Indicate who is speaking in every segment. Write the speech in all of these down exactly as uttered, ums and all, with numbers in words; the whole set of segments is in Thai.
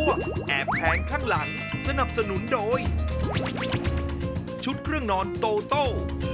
Speaker 1: วงแอบแผงข้างหลังสนับสนุนโดย ชุดเครื่องนอนโตโต้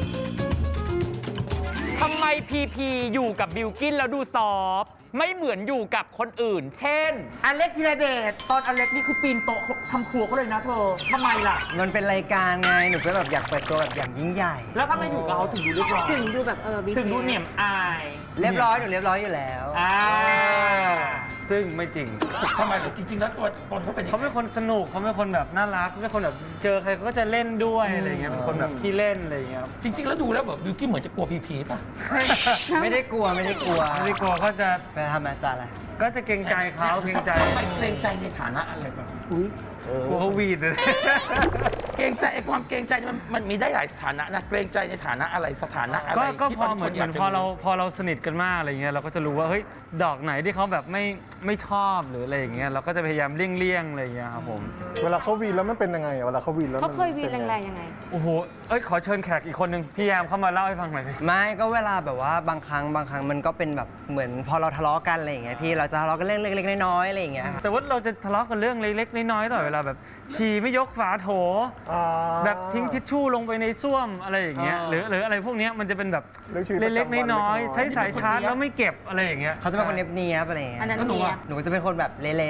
Speaker 2: ทำไมพีพีอยู่กับบิลกินแล้วดูซอฟต์ไม่เหมือนอยู่กับคนอื่น เช่น
Speaker 3: อเล็กธีรเดช
Speaker 2: ตอนอเล็กนี่คือปีนโต๊ะทำครัวเขาเลยนะเธอทำไมล่ะ
Speaker 3: มันเป็นรายการไง หนูก็แบบอยากเปิดตัวแบบอย่างยิ่งใหญ่
Speaker 2: แล้วทำไมอยู่กับเขาถึงดูเรียบร้อย
Speaker 4: ถึงดูแบบเออบิ๊ก
Speaker 2: ถึงดูเหนียมอาย
Speaker 3: เรียบร้อยหนูเรียบร้อยอยู่แล้ว
Speaker 2: อ่า
Speaker 5: ซึ่งไม่จริง
Speaker 6: ทำไมเหรอจริง ๆ แล้วตัวตนเขาเป็นยังไง
Speaker 5: เขาเป็นคนสนุกเขาเป็นคนแบบน่ารักเขาเป็นคนแบบเจอใครเขาก็จะเล่นด้วยอะไรเงี้ยเป็นคนแบบขี้เล่นอะไรเงี้ยครับ
Speaker 6: จริง ๆ แล้วดูแล้วแบบบิวกิ้นเหมือนจะกลัวพีพีป่ะ
Speaker 3: ไม่ได้กลัวไม่ได้กลัว
Speaker 5: ไม่ได้กลัวเขาจะ
Speaker 3: ไปทำอาจารย์อะไร
Speaker 5: ก็จะเกรงใจเขาเกรงใจ
Speaker 6: ทำไมเกรงใจในฐานะอะไรแบบ
Speaker 5: กลัวเขาวีดเลย
Speaker 6: เกรงใจไอ้ความเกรงใจมันมันมีได้หลายสถานะนะเกรงใจในฐานะอะไรสถานะอะไร
Speaker 5: ก็ก็
Speaker 6: ที่
Speaker 5: พอ
Speaker 6: ต
Speaker 5: เหมือน
Speaker 6: ค
Speaker 5: เหมือนพอเราพอเราสนิทกันมากอะไรเงี้ยเราก็จะรู้ว่าเฮ้ยดอกไหนที่เขาแบบไม่ไม่ชอบหรืออะไรอย่างเงี้ยเราก็จะพยายามเลี่ยงๆอะไรเงี้ยครับผม
Speaker 7: เวลาเขาวีนแล้วมันเป็นยังไงอะเวลาเขาวีนแล้ว
Speaker 4: เขาเคยวีน
Speaker 7: ป็น
Speaker 4: แรงๆยังไง
Speaker 5: โอ้โหเอ้ยขอเชิญแขกอีกคนนึงพี่แยมเข้ามาเล่าให้ฟังหน่อยสิ
Speaker 3: ไม่ก็เวลาแบบว่าบางครั้งบางครั้งมันก็เป็นแบบเหมือนพอเราทะเลาะกันอะไรอย่างเงี้ยพี่เราจะทะเลาะกันเรื่องเล็กๆน้อยๆอะไรอย่างเงี้ยครับ
Speaker 5: แต่ว่าเราจะทะเลาะกันเรื่องเล็กๆน้อยๆตลอดเวลาแบบฉี่ไม่ยกฝาโถ
Speaker 7: อ่า
Speaker 5: แบบทิ้งทิชชู่ลงไปในส้วมอะไรอย่างเงี้ยหรือหรืออะไรพวกเนี้ยมันจะเป็นแบบ
Speaker 7: เรื่องชีวิตประ
Speaker 5: เล็ก
Speaker 7: จำวัน
Speaker 5: ๆน้อย
Speaker 7: เล็กๆ
Speaker 5: ๆใช้สายชาร์จแล้วไม่เก็บอะไรอย่างเงี้ย
Speaker 3: เขาจะเป็นคนเนียบๆอะไรอย่างเงี้ย
Speaker 4: อันนั้น
Speaker 6: แล้วหนู
Speaker 4: เนี่ย
Speaker 6: อะ
Speaker 3: หนูจะเป็นคนแบบเละ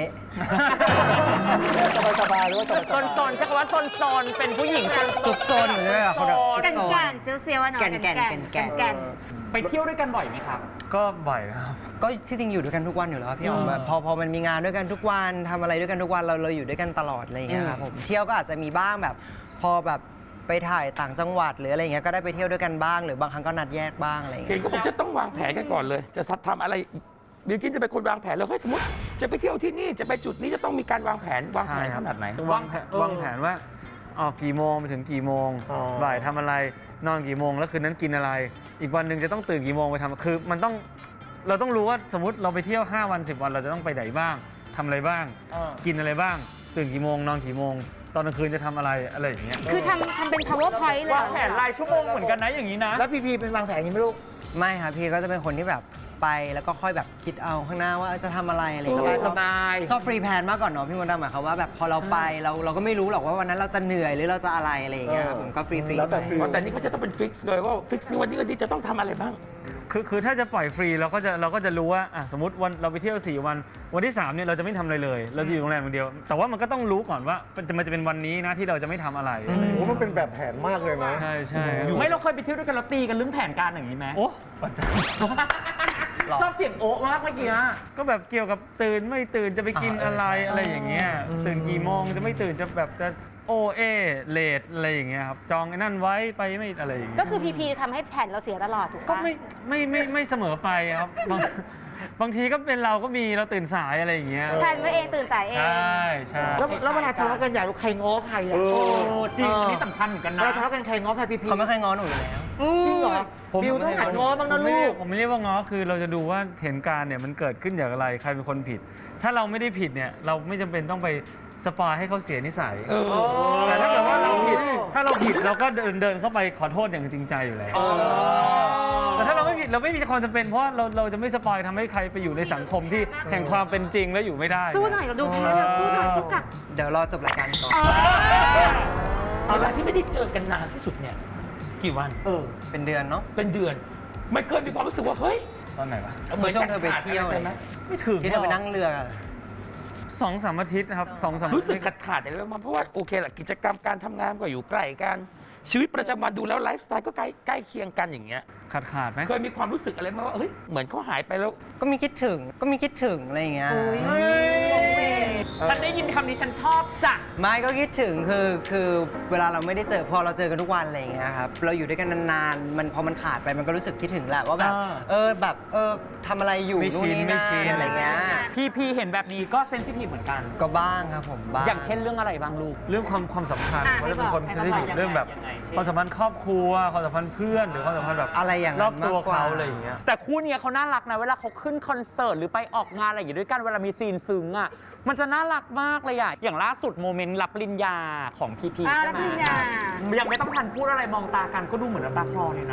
Speaker 7: สบายๆหรือว่าสบาย
Speaker 2: โซนโซนๆใช้คำว่าโซนโซนๆเป็นผู้หญิง
Speaker 3: ๆซุกซนหนูจะแบบคนแบบซุก
Speaker 4: กัน
Speaker 3: ซน
Speaker 4: แก่นเจียวเซียวอะเนาะ
Speaker 3: แก่นแก่นแก่นแก่น
Speaker 4: แก่น
Speaker 2: ไปเที่ยวด้วยกันบ่อยไหมครับ
Speaker 5: ก็บ่อยนะครับ
Speaker 3: ก็ที่จริงอยู่ด้วยกันทุกวันอยู่แล้วครับพี่อ๋อมแบบพอพอมันมีงานด้วยกันทุกวันทำอะไรด้วยกันทุกวันเราเราอยู่ด้วยกันตลอดอะไรอย่างเงี้ยครับผมเที่ยวก็อาจจะมีบ้างแบบ พอแบบไปถ่ายต่างจังหวัดหรืออะไรอย่างเงี้ยก็ได้ไปเที่ยวด้วยกันบ้าง หรือบางครั้งก็นัดแยกบ้างอะไรอย่าง
Speaker 6: เห็
Speaker 3: เงี้
Speaker 6: น
Speaker 3: ย
Speaker 6: ก็บอกจะต้องวางแผนกันก่อนเลย จะทำอะไรบิวกิ้นจะเป็นคนวางแผนแล้วเฮ้ยสมมติจะไปเที่ยวที่นี่จะไปจุดนี้จะต้องมีการวางแผนวางแผนขนาดไหน
Speaker 5: จะวางแผนวางแผนว่าออกกี่โมงไปถึงกี่โมง บ่ายทำอะไรนอนกี่โมงแล้วคืนนั้นกินอะไร อีกวันหนึ่งจะต้องตื่นกี่โมงไปทำคือมันต้องเราต้องรู้ว่าสมมติเราไปเที่ยวห้าวันสิบวันเราจะต้องไปไหนบ้างทำอะไรบ้าง กินอะไรบ้าง ตื่นกี่โมงนอนกี่โมง ตอนกลางคืนจะทำอะไรอะไรอย่างเงี้ย
Speaker 4: คือทำทำเป็น powerpoint เลย
Speaker 2: วางแผนรายชั่วโมงเหมือนกันนะอย่างนี้นะ
Speaker 3: แล้วพีพีเป็นวางแผนนี้ไหมลูกไม่ครับพี่ก็จะเป็นคนที่แบบไปแล้วก็ค่อยแบบคิดเอาข้างหน้าว่าจะทำอะไรอะไรอย่างเงี้ย
Speaker 2: สบายๆ
Speaker 3: ชอบฟรีแพลนมากก่อนเนาะพี่มดดำหมายความว่าแบบพอเราไปเราเราก็ไม่รู้หรอกว่าวันนั้นเราจะเหนื่อยหรือเราจะอะไรอะไรอย่างเงี้ยครับผมก็ฟรีฟรี
Speaker 7: แล้วแต่ฟีล
Speaker 6: แต่นี่ก็จะต้องเป็นฟิกซ์เลยว่าฟิกซ์นี่วันนี้วันนี้จะต้องทำอะไรบ้าง
Speaker 5: คือคือถ้าจะปล่อยฟรีเราก็จะเราก็จะรู้ว่าอ่ะสมมติวันเราไปเที่ยวสี่วัน วันที่สามเนี่ยเราจะไม่ทำอะไรเลย เราจะอยู่โรงแรมอย่างเดียว แต่ว่ามันก็ต้องรู้ก่อนว่ามันจะมันจะเป็นวันนี้นะที่เราจะไม่ทำอะไรอะไรอย่าง
Speaker 7: โอ้
Speaker 5: เงี้ย
Speaker 7: มันเป็นแบบแผนมากเลยนะ
Speaker 5: ใช่ใช่
Speaker 2: ไม่เราเคยไปเที่ยวด้วยกันเราตีกันเรื่องแผนการอย่างนี้ไหม
Speaker 5: โอ้ประจ
Speaker 2: ชอบเสียงโอ๊ะมากเมื่อกี้อะ
Speaker 5: ำก็แบบเกี่ยวกับตื่นไม่ตื่นจะไปกินอะไรอะไรอย่างเงี้ยตื่นกี่โมงจะไม่ตื่นจะแบบจะโอเอเลทอะไรอย่างเงี้ยครับจองไอ้นั่นไว้ไปไม่อะไรอย่างเงี้ย
Speaker 4: ก็คือพีพีทำให้แผ่นเราเสียตลอดถูก
Speaker 5: ก็
Speaker 4: ปะ
Speaker 5: ไม่ไม่ไม่ไม่เสมอไปครับบางบางทีก็เป็นเราก็มีเราตื่นสายอะไรอย่างเงี้ย
Speaker 4: แผ่นไว้เองตื่นสายเอง
Speaker 5: ใช่ใช่
Speaker 3: แล้วแล้วเวลาทะเลาะกันอยากรู้ใครง้อใครอ่ะ
Speaker 7: เออ
Speaker 2: โอ้จริงอันนี้สำคัญเหมือนกัน
Speaker 3: เว
Speaker 2: นะ
Speaker 3: ลาทะเลาะกันใครง้อใครพีพีเขาไม่เคยง้อหนูอยู่แล้ว
Speaker 4: อืม
Speaker 3: จริงเหรอบิวต้องหัดง้อบ้างนะลูก
Speaker 5: ผมไม่เรียกว่าง้อคือเราจะดูว่าเหตุการณ์เนี่ยมันเกิดขึ้นจากอะไรใครเป็นคนผิด ถ้าเราไม่ได้ผิดเนี่ยเราไม่จำเป็นต้องไปสปอยให้เขาเสียนิสัย
Speaker 6: เออ
Speaker 5: แต่ถ้าเกิดว่าเราผิดถ้าเราผิดเราก็เดินเดินเข้าไปขอโทษอย่างจริงใจอยู่แล้วแต่ถ้าเราไม่ผิดเราไม่มีความจำเป็นเพราะเราเราจะไม่สปอยทำให้ใครไปอยู่ในสังคมที่แห่งความเป็นจริงแล้วอยู่ไม่ได้
Speaker 4: สู้หน่อยเราดูแพ้แล้วสู้หน่อยสู้กลับ
Speaker 3: เดี๋ยวรอจบรายการก่อน
Speaker 6: เวลาที่ไม่ได้เจอกันนานที่สุดเนี่ยกี่วัน
Speaker 2: เออ
Speaker 3: เป็นเดือนเนาะ
Speaker 6: เป็นเดือนไม่เคยมีความรู้สึกว่าเฮ้ย
Speaker 5: ตอนไหนวะ
Speaker 3: เมื่อช่วงเธอไปเที่ยว
Speaker 6: ใช่ไหม
Speaker 5: ไม่ถึง
Speaker 3: ที่เธอไปนั่งเรือ
Speaker 5: สองสามอาทิตย์นะครับสองสามอา
Speaker 6: รู้สึก
Speaker 5: ทิตย์
Speaker 6: ขาดขาดอะไรบ้างเพราะว่าโอเคแหละกิจกรรมการทำงานก็อยู่ใกล้กันชีวิตประจำวันดูแล้วไลฟ์สไตล์ก็ใกล้ใกล้เคียงกันอย่างเงี้ย
Speaker 5: ขาดขาดไหม
Speaker 6: เคยมีความรู้สึกอะไรไหมว่าเฮ้ยเหมือนเขาหายไปแล้ว
Speaker 3: ก็มีคิดถึงก็มีคิดถึงอะไรอย่างเงี้ย
Speaker 2: ฉันได้ยินคำนี้ฉันชอบจ้ะ
Speaker 3: ไม่ก็คิดถึงคือคือเวลาเราไม่ได้เจอพอเราเจอกันทุกวันอะไรอย่างเงี้ยครับเราอยู่ด้วยกันนานๆมันพอมันขาดไปมันก็รู้สึกคิดถึงแหละว่าแบบ
Speaker 2: อ่า
Speaker 3: เออแบบเออทำอะไรอยู่
Speaker 5: ไม่
Speaker 3: นู่น
Speaker 5: ชิน
Speaker 3: นี่
Speaker 5: ไม่
Speaker 3: นั่
Speaker 5: ชิน
Speaker 3: นอะไรเงี้ย
Speaker 2: พี่พีเห็นแบบนี้ก็เซนซิทีฟเหมือนกัน
Speaker 3: ก็บ้างครับผมบ้าง
Speaker 2: อย่างเช่นเรื่องอะไรบ้างลูก
Speaker 5: เรื่องความความสัมพันธ์
Speaker 4: อ่ะ
Speaker 5: เขาจะเป็นคน
Speaker 4: ให้
Speaker 5: ที่
Speaker 4: บอก
Speaker 5: เรื่องแบบ
Speaker 2: ยังไงยังไง
Speaker 5: ความสัมพันธ์ครอบครัวความสัมพันธ์เพื่อนหรือความสัมพันธ์แบบ
Speaker 3: อะไรอย่าง
Speaker 5: ร
Speaker 3: นั้
Speaker 5: อบ
Speaker 3: น
Speaker 5: ตัว
Speaker 3: มากกว่า
Speaker 5: เขาอะไรอย่างเงี้ย
Speaker 2: แต่คู่เนี้ยเขาน่ารักนะเวลาเขาขึ้นคอนเสิร์ตหรือไปออกงานอะไรอย่างเงี้ยด้วยกันเวลามีซีนซึ้งอ่ะมันจะน่ารักมากเลยอ่ะอย่างล่าสุดโมเมนต์รับปริญญาของพีพี
Speaker 4: อ่า
Speaker 2: ใช่
Speaker 4: รับ
Speaker 2: ไหม
Speaker 4: ปริญญา
Speaker 2: ยังไม่ต้องทันพูดอะไรมองตากันก็ดูเหมือนน้ำตาคลอเลยนะ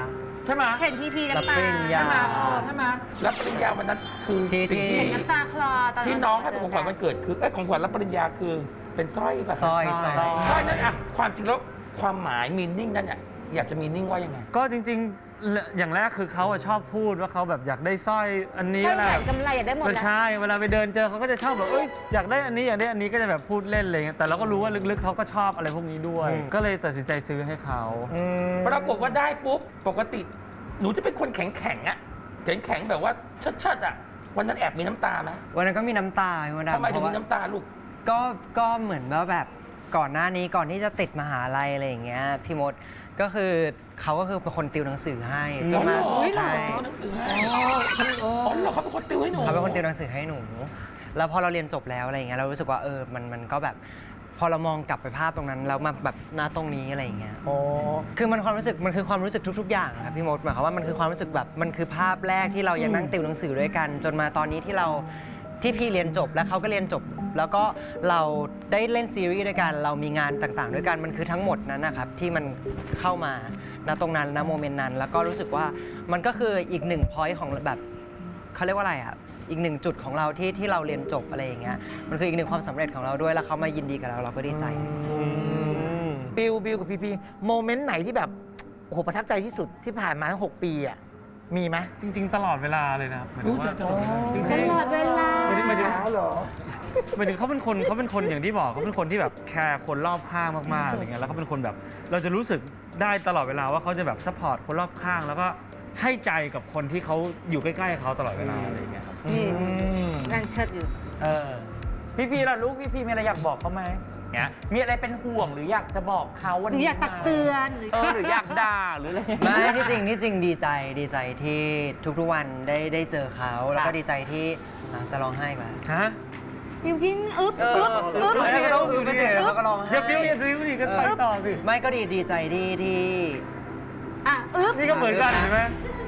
Speaker 2: ใช่ไหม
Speaker 4: เห็นพีพีน้ำตา
Speaker 3: รับปริญญา
Speaker 2: ใช่ไหมเออใช่ไหม
Speaker 6: รับปริญญาวันนั้นคือ
Speaker 3: ที่
Speaker 6: สิ่ง
Speaker 3: ที่
Speaker 6: ที่
Speaker 4: เห็นน้ำตาคลอตอน
Speaker 6: ที่น้องให้เป็นของขวัญวันเกิดคือเอ้ยของขวัญรับปริญญาคือเป็นสร้อยป่ะ
Speaker 3: สร้อยสร้อย
Speaker 6: สร้อยนั่นอะความจริงแล้วความหมายมีนิ่งนั่นเนี่ยอยากจะมีนิ่งว่ายังไง
Speaker 5: ก็จริงๆ อย่างแรกคือเขาอะชอบพูดว่าเขาแบบอยากได้สร้อยอันนี้
Speaker 4: ใช่
Speaker 5: เวลา
Speaker 4: แหวนกำไรอยากได้หมด
Speaker 5: ก็
Speaker 4: แล้ว
Speaker 5: ใช่เวลาไปเดินเจอเขาก็จะชอบแบบเอ้ยอยากได้อันนี้อยากได้อันนี้ก็จะแบบพูดเล่นอะไรเงี้ยแต่เราก็รู้ว่าลึกๆเขาก็ชอบอะไรพวกนี้ด้วย
Speaker 3: อืม
Speaker 5: ก็เลยตัดสินใจซื้อให้เขา
Speaker 6: ปรากฏว่าได้ปุ๊บปกติหนูจะเป็นคนแข็งแข็งๆอะแข็งแข็งๆแบบว่าชัดๆอะวันนั้นแอบมีน้ำตาไหม
Speaker 3: วันนั้นก็มีน้ำตาพี่มดดำ
Speaker 6: ทำไมถึง
Speaker 3: เพราะ
Speaker 6: มี
Speaker 3: ว่า
Speaker 6: น้ำตาลูก
Speaker 3: ก็ก็เหมือนว่าแบบก่อนหน้านี้ก่อนที่จะติดมหาลัยอะไรอย่างเงี้ยพี่มดก็คือเขาก็คือเป็นคนติวหนังสือให้จนมา
Speaker 6: อ๋อเหรอ
Speaker 3: ใช่
Speaker 6: เขาหนังสือให้อ๋อเหรอเขาเป็นคนติวให้หนู
Speaker 3: เขาเป็นคนติวหนังสือให้หนู แล้วพอเราเรียนจบแล้วอะไรอย่างเงี้ยเรารู้สึกว่าเออมันมันก็แบบ พอเรามองกลับไปภาพตรงนั้นแล้วมาแบบหน้าตรงนี้อะไรอย่างเงี้ย
Speaker 7: อ๋อ
Speaker 3: คือมันความรู้สึกมันคือความรู้สึกทุก ๆ อย่างครับพี่มดหมายความว่ามันคือความรู้สึกแบบมันคือภาพแรกที่เรายังนั่งติวหนังสือด้วยกัน จนมาตอนนี้ที่เราที่พี่เรียนจบแล้วเขาก็เรียนจบ แล้วก็เราได้เล่นซีรีส์ด้วยกันเรามีงานต่างๆ ด้วยกันมันคือทั้งหมดนั้นนะครับที่มันเข้ามาณตรงนั้นณโมเมนต์นั้น แล้วก็รู้สึกว่ามันก็คืออีกหนึ่งพอยต์ของแบบเขาเรียกว่าอะไรอ่ะอีกหนึ่งจุดของเราที่ที่เราเรียนจบอะไรอย่างเงี้ยมันคืออีกหนึ่งความสำเร็จของเราด้วยแล้วเขามายินดีกับเราเราก็ดีใจ
Speaker 8: บิวบิวกับพีพีโมเมนต์ไหนที่แบบโอ้โหประทับใจที่สุดที่ผ่านมาทั้งหกปีอ่ะมีไหม
Speaker 5: จริง ๆ ตลอดเวลาเลยนะครับหมายถึงว่า
Speaker 6: ตลอดเวลา
Speaker 5: จริง
Speaker 4: ตลอดเวลา
Speaker 5: ๆหมายถึงหมายถึง
Speaker 7: ช้าเหรอ
Speaker 5: หมายถึงเขาเป็นคนเขาเป็นคนอย่างที่บอกเขาเป็นคนที่แบบแคร์คนรอบข้างมากๆอะไรเงี้ยแล้วเขาเป็นคนแบบเราจะรู้สึกได้ตลอดเวลาว่าเขาจะแบบซัพพอร์ตคนรอบข้าง แล้วก็ให้ใจกับคนที่เขาอยู่ใกล้ๆเขาตลอดเวลาอะไรเงี้ยครับ
Speaker 4: นี่นั่งเชิดอยู่
Speaker 2: เออพี่พีล่ะลูกพี่พีมีอะไรอยากบอกเขาไหมเนี่ยมีอะไรเป็นห่วงหรืออยากจะบอกเขาวัน
Speaker 4: หรือ
Speaker 2: นี้
Speaker 4: อยากตักเตือนหรือ
Speaker 2: เออหรืออยากด่าหรืออะไร
Speaker 3: ไม่ที่จริงที่จริงดีใจดีใจที่ทุกๆวันได้ได้เจอเขาแล้วก็ดีใจที่อ่ะจะร้องไห้มา
Speaker 5: ฮะ
Speaker 4: บิวกินอึ๊บอึ๊บอึ๊บ
Speaker 3: ไม่ก็ต้องอึ๊บไปเจอเขาก็ร้องไห้
Speaker 5: อย่าบิ้วอย่าบิ้วดิก็ไปต่อสิ
Speaker 3: ไม่ก็ดีดีใจที่ที่
Speaker 4: อ่ะอึ๊บ
Speaker 5: นี่ก็เหมือนกันเห็นไหม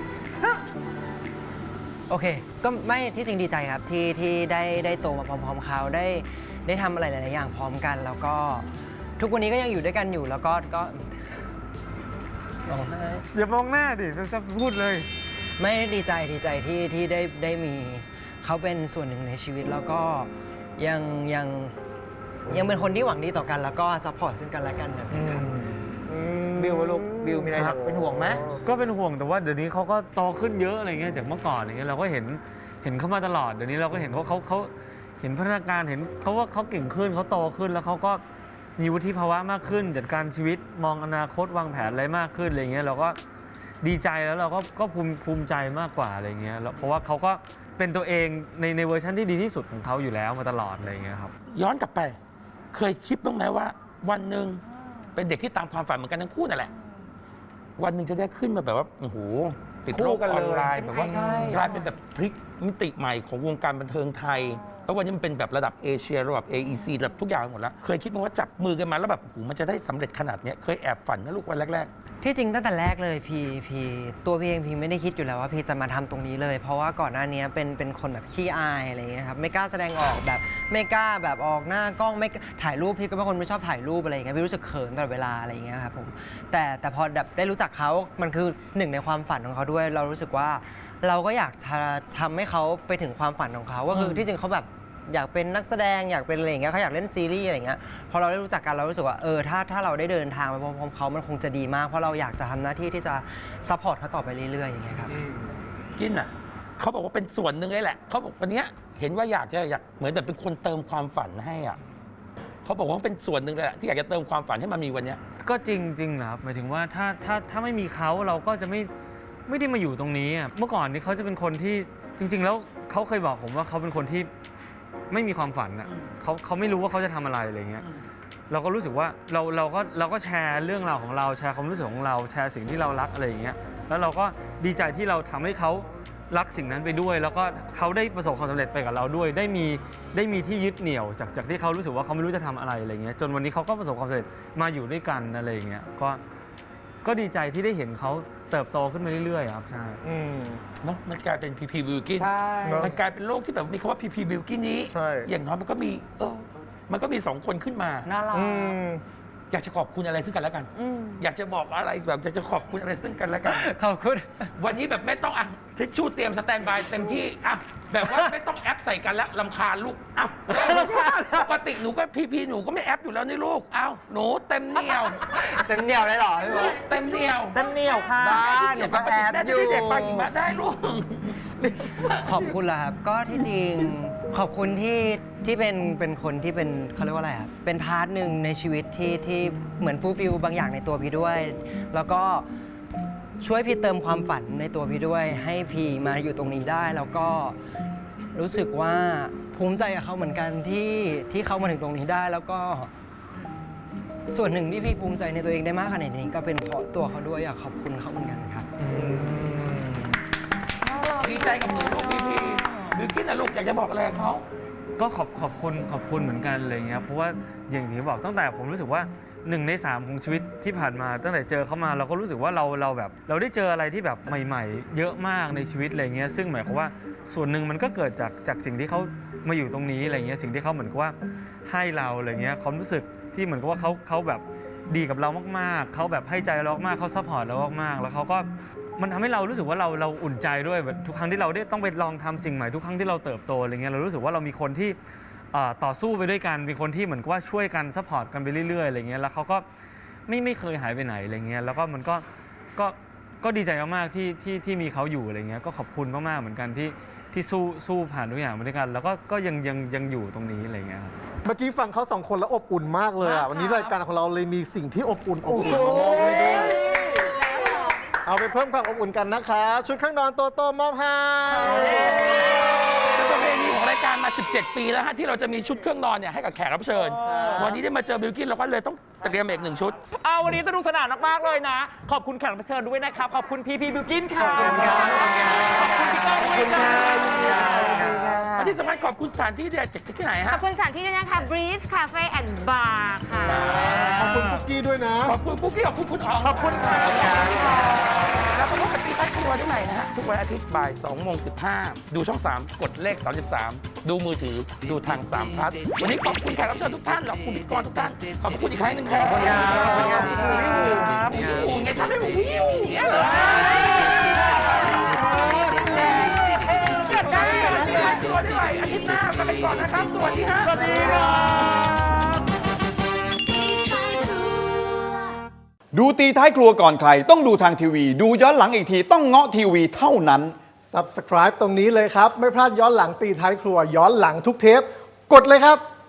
Speaker 3: โอเค ก็ไม่ที่จริงดีใจครับที่ที่ได้ได้โตมาพร้อมๆเขาได้ได้ทำอะไรหลายๆอย่างพร้อมกัน แล้วก็ทุกวันนี้ก็ยังอยู่ด้วยกันอยู่แล้วก็ก็ร้องไห้
Speaker 5: อย่ามองหน้าดิจะพูดเลย
Speaker 3: ไม่ดีใจดีใจที่ที่ได้ได้มีเขาเป็นส่วนหนึ่งในชีวิตแล้วก็ยังยังยังเป็นคนที่หวังดีต่อกัน แล้วก็ซัพพอร์ตซึ่งกันและกันแบบนี้ครับ
Speaker 8: บิวลูกบิวมีอะไรครับเป็นห่วงไหม
Speaker 5: ก็เป็นห่วงแต่ว่าเดี๋ยวนี้เขาก็โตขึ้นเยอะอะไรเงี้ยจากเมื่อก่อนอย่างเงี้ยเราก็เห็นเห็นเขามาตลอดเดี๋ยวนี้เราก็เห็นเขาเขาเขาเห็นพัฒนาการเห็นเขาว่าเขาเก่งขึ้นเขาโตขึ้นแล้วเขาก็มีวุฒิภาวะมากขึ้นจัดการชีวิตมองอนาคตวางแผนอะไรมากขึ้นอะไรเงี้ยเราก็ดีใจแล้วเราก็ก็ภูมิภูมิใจมากกว่าอะไรเงี้ยแล้วเพราะว่าเขาก็เป็นตัวเองในในเวอร์ชันที่ดีที่สุดของเขาอยู่แล้วมาตลอดอะไรเงี้ยครับ
Speaker 6: ย้อนกลับไป เคยคิดบ้างไหมว่า วันหนึ่งเป็นเด็กที่ตามความฝันเหมือนกันทั้งคู่นั่นแหละ วันหนึ่งจะได้ขึ้นมาแบบว่าโอ้โหติดโลกออนไลน์แบบว่ากลายเป็นแบบพลิกมิติใหม่ของวงการบันเทิงไทย แล้ววันนี้มันเป็นแบบระดับเอเชียระดับ เอ อี ซี ระดับทุกอย่างหมดแล้ว เคยคิดไหมว่าจับมือกันมาแล้วแบบโอ้โหมันจะได้สำเร็จขนาดเนี้ยเคยแอบฝันนะลูกวันแรก
Speaker 3: ที่จริงตั้งแต่แรกเลยพีพีตัวพีเองพีไม่ได้คิดอยู่แล้วว่าพีจะมาทำตรงนี้เลย เพราะว่าก่อนหน้านี้เป็นเป็นคนแบบขี้อายอะไรอย่างเงี้ยครับไม่กล้าแสดงออกแบบไม่กล้าแบบออกหน้ากล้องไม่กล้าถ่ายรูปพี่ก็เป็นคนไม่ชอบถ่ายรูปอะไรอย่างเงี้ยพี่รู้สึกเขินตลอดเวลาอะไรอย่างเงี้ยครับผมแต่แต่พอแบบได้รู้จักเขามันคือหนึ่งในความฝันของเขาด้วย เรารู้สึกว่าเราก็อยากจะทำให้เขาไปถึงความฝันของเขาก็คือที่จริงเขาแบบอยากเป็นนักแสดงอยากเป็นอะไรอย่างเงี้ยเขาอยากเล่นซีรีส์อะไรอย่างเงี้ยพอเราได้รู้จักกันเรารู้สึกว่าเออถ้าถ้าเราได้เดินทางไปพร้อมๆเขามันคงจะดีมากเพราะเราอยากจะทำหน้าที่ที่จะซัพพอร์ตเขาต่อไปเรื่อยๆอย่างเงี้ยครับ
Speaker 6: ๆ กินอ่ะเขาบอกว่าเป็นส่วนหนึ่งเลยแหละเขาบอกวันเนี้ยเห็นว่าอยากจะอยากเหมือนแบบเป็นคนเติมความฝันให้อ่ะเขาบอกว่าเป็นส่วนหนึ่งเลยแหละที่อยากจะเติมความฝันให้มันมีวันเนี้ย
Speaker 5: ก็จริงจริงนะครับหมายถึงว่าถ้าถ้าถ้าไม่มีเขาเราก็จะไม่ไม่ได้มาอยู่ตรงนี้อะเมื่อก่อนนี้เขาจะเป็นคนที่จริง ๆ แล้วเขาเคยบอกผมว่าเขาเป็นคนที่ไม่มีความฝันอ่ะเขาเขาไม่รู้ว่าเขาจะทำอะไรอะไรเงี้ยเราก็รู้สึกว่าเราเราก็เราก็แชร์เรื่องราวของเราแชร์ความรู้สึกของเราแชร์สิ่งที่เรารักอะไรอย่างเงี้ยแล้วเราก็ดีใจที่เราทำให้เขารักสิ่งนั้นไปด้วย แล้วก็เขาได้ประสบความสำเร็จไปกับเราด้วย ได้มีได้มีที่ยึดเหนี่ยวจากจากที่เขารู้สึกว่าเขาไม่รู้จะทำอะไรอะไรเงี้ยจนวันนี้เขาก็ประสบความสำเร็จมาอยู่ด้วยกันอะไรอย่างเงี้ยก็ก็ดีใจที่ได้เห็นเขาเติบโตขึ้นมาเรื่อยๆครับใช่
Speaker 7: อืม
Speaker 6: เนาะมันกลายเป็นพีพีบิวกิน
Speaker 2: ใช่
Speaker 7: เนอะ
Speaker 6: มันกลายเป็นโลกที่แบบมีคำว่าพีพีบิวกินนี้
Speaker 7: ใช่
Speaker 6: อย่างน้อยมันก็มีเออมันก็มีสองคนขึ้นมา
Speaker 2: น่ารัก
Speaker 7: อืม
Speaker 6: อยากจะขอบคุณอะไรซึ่งกันและกัน อยากจะบอกอะไรแบบอยากจะขอบคุณอะไรซึ่งกันและกัน
Speaker 3: ขอบคุณ
Speaker 6: วันนี้แบบไม่ต้องอ่ะทิชชู่เตรียมสแตนบายเต็มที่อ่ะแบบว่าไม่ต้องแอปใส่กันแล้วลำคาญลูกอ้าวปกติหนูก็พีพีหนูก็ไม่แอปอยู่แล้วนี่ลูกอ้าวหนูเต็มเหนียว
Speaker 3: เต็มเหนียวเลยเหรอพี่บอส
Speaker 6: เต็มเหนียว
Speaker 2: เต็มเหนียวค่ะ
Speaker 3: บ้าหนูก็แอบอยู่
Speaker 6: เด็กปาหิมะได้ลูก
Speaker 3: ขอบคุณล่ะครับ ก็ที่จริงขอบคุณที่ที่เป็นเป็นคนที่เป็นเขาเรียกว่าอะไรครับเป็นพาร์ทหนึ่งในชีวิตที่ที่เหมือนฟูลฟิลบางอย่างในตัวพี่ด้วย แล้วก็ช่วยพี่เติมความฝันในตัวพี่ด้วย ให้พี่มาอยู่ตรงนี้ได้ แล้วก็รู้สึกว่าภูมิใจกับเขาเหมือนกันที่ที่เขามาถึงตรงนี้ได้ แล้วก็ ส่วนหนึ่งที่พี่ภูมิใจในตัวเองได้มากขนาดนี้ก็เป็นเพราะตัวเขาด้วยอยากขอบคุณเขาเหมือนกันครับ
Speaker 6: ดีใจกับหนูลูกพีพีบิวกิ้นนะลูกอยากจะบอกอะไรกับเขา
Speaker 5: ก็ขอบขอบคุณขอบคุณเหมือนกันอะไรเงี้ยเพราะว่าอย่างที่บอกตั้งแต่ผมรู้สึกว่าหนึ่งในสามของชีวิตที่ผ่านมา ตั้งแต่เจอเขามาเราก็รู้สึกว่าเราเราแบบ เราได้เจออะไรที่แบบใหม่ ๆ เยอะมากในชีวิตอะไรเงี้ยซึ่งหมายความว่าส่วนหนึ่งมันก็เกิดจากจากสิ่งที่เขามาอยู่ตรงนี้อะไรเงี้ยสิ่งที่เขาเหมือนกับว่าให้เราอะไรเงี้ยความรู้สึกที่เหมือนกับว่าเขาเขาแบบดีกับเรามากๆเขาแบบให้ใจเรามากๆเขาซัพพอร์ตเรามากๆแล้วเขาก็มันทำให้เรารู้สึกว่าเราเราอุ่นใจด้วยแบบทุกครั้งที่เราได้ต้องไปลองทำสิ่งใหม่ทุกครั้งที่เราเติบโตอะไรเงี้ยเรารู้สึกว่าเรามีคนที่เอ่อต่อสู้ไปด้วยกันมีคนที่เหมือนกับว่าช่วยกันซัพพอร์ตกันไปเรื่อยๆอะไรเงี้ยแล้วเขาก็ไม่ไม่เคยหายไปไหนอะไรเงี้ยแล้วก็มันก็ก็ก็ดีใจมากๆที่ที่ที่มีเขาอยู่อะไรเงี้ยก็ขอบคุณมากๆเหมือนกันที่ที่สู้สู้ผ่านทุกอย่างมาด้วยกัน แล้วก็ก็ยังยังยังอยู่ตรงนี้อะไรเงี้ยครับ
Speaker 7: เมื่อกี้ฟังเขาสองคนแล้วอบอุ่นมากเลยอ่ะ วันนี้รายการของเราเลยมีสิ่งที่อบอุ่นอบอุ่นมามอบให้ด้วยเอาไปเพิ่มความอบอุ่นกันนะคะ ชุดเครื่องนอนโตโต้มอบให้
Speaker 6: เป็นประเพณีของรายการมา สิบเจ็ด ปีแล้วฮะที่เราจะมีชุดเครื่องนอนเนี่ยให้กับแขกรับเชิญ วันนี้ได้มาเจอบิวกิ้นเราก็เลยต้องเตรียมอีกหนึ่งชุด
Speaker 2: เอาวันนี้สนุกสนานมากๆเลยนะ ขอบคุณแขกรับเชิญด้วยนะครับ ขอบคุณพีพีบิวกินค่ะ
Speaker 3: ขอบคุณครับ
Speaker 2: ขอบคุณพี่ก้องด้วยค่ะ
Speaker 6: และที่สำคัญขอบคุณสถานที่เด็ดจากที่ไหน
Speaker 4: ข
Speaker 6: ฮะ
Speaker 4: อบคุณสถานที่ด้วยนะคะ Breeze Cafe and Bar ค่ะ
Speaker 7: ขอบคุณคุกกี้ด้วยนะ
Speaker 6: ขอบคุณปุ๊กกี้ขอบคุณคุณอ๋องขอบคุณค่ะแล้วก็พบกับตีใต้ครัวได้ใหม่นะฮะ ทุกวันอาทิตย์บ่าย2โมง15 ดูช่อง สาม กดเลขสามสิบสาม ดูมือถือดูทางสามพลัสวันนี้ขอบคุณแขกรับเชิญทุกท่านขอบคุณพิธีกรทุกท่าน ขอบคุณอีกครั้งหนึ่งครับ
Speaker 3: ขอบคุณครับ
Speaker 6: ครับวิวไงทำให้ผมวิวอย่างเงี้ยเหรอเก็บได้อาทิตย์หน้าตัวได้ใหม่อาทิตย์หน้าไปก่อนนะครับ สวัสดีฮะ
Speaker 2: สวัสดีครับ
Speaker 9: ดูตีท้ายครัวก่อนใคร ต้องดูทางทีวี ดูย้อนหลังอีกทีต้องเงาะทีวีเท่านั้น
Speaker 7: Subscribe ตรงนี้เลยครับ ไม่พลาดย้อนหลังตีท้ายครัว ย้อนหลังทุกเทป กดเลยครับ